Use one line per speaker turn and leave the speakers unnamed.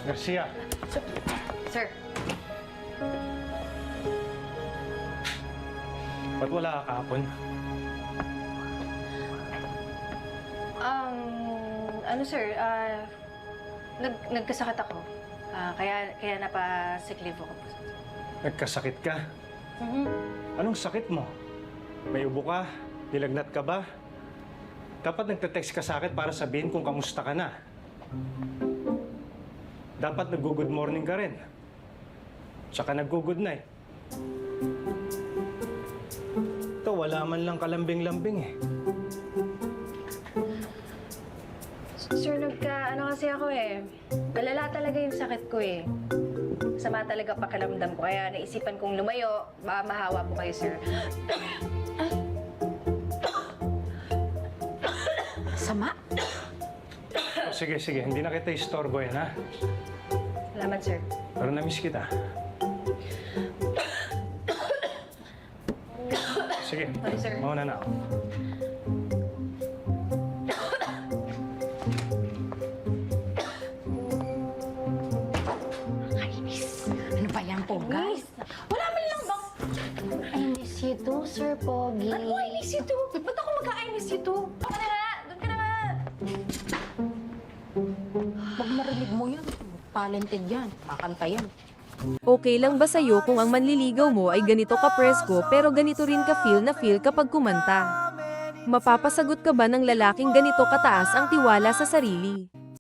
Garcia.
Sir.
Ba't wala ka kahapon?
Ano sir, nagkasakit ako. Kaya napa-sick leave ako po.
Nagkasakit ka?
Mm-hmm.
Anong sakit mo? May ubo ka? Nilagnat ka ba? Dapat nagte-text ka sa akin para sabihin kung kamusta ka na. Dapat nag-good morning ka rin. Tsaka nag-good night. Ito, wala man lang kalambing-lambing eh.
Sir, ano kasi ako eh. Malala talaga yung sakit ko eh. Sama talaga pakiramdam ko. Kaya naisipan kong lumayo. Baka mahawa po kayo, sir.
Sama?
O, sige, sige. Hindi na kita istorbo yan, ha?
Salamat, sir.
Pero na-miss kita. Sige,
Sorry, sir.
mauna na ako.
Kainis. Ano ba yan po, guys? Wala man lang bang...
I miss you too, Sir Pogi.
Ano I miss you too? Ba't ako mag-I miss you too?
Doon ka na nga! Doon ka na nga!
Pag marinig mo yan, talented yan. Makanta yan.
Okay lang ba sa'yo kung ang manliligaw mo ay ganito ka-presko pero ganito rin ka-feel na feel kapag kumanta? Mapapasagot ka ba ng lalaking ganito kataas ang tiwala sa sarili?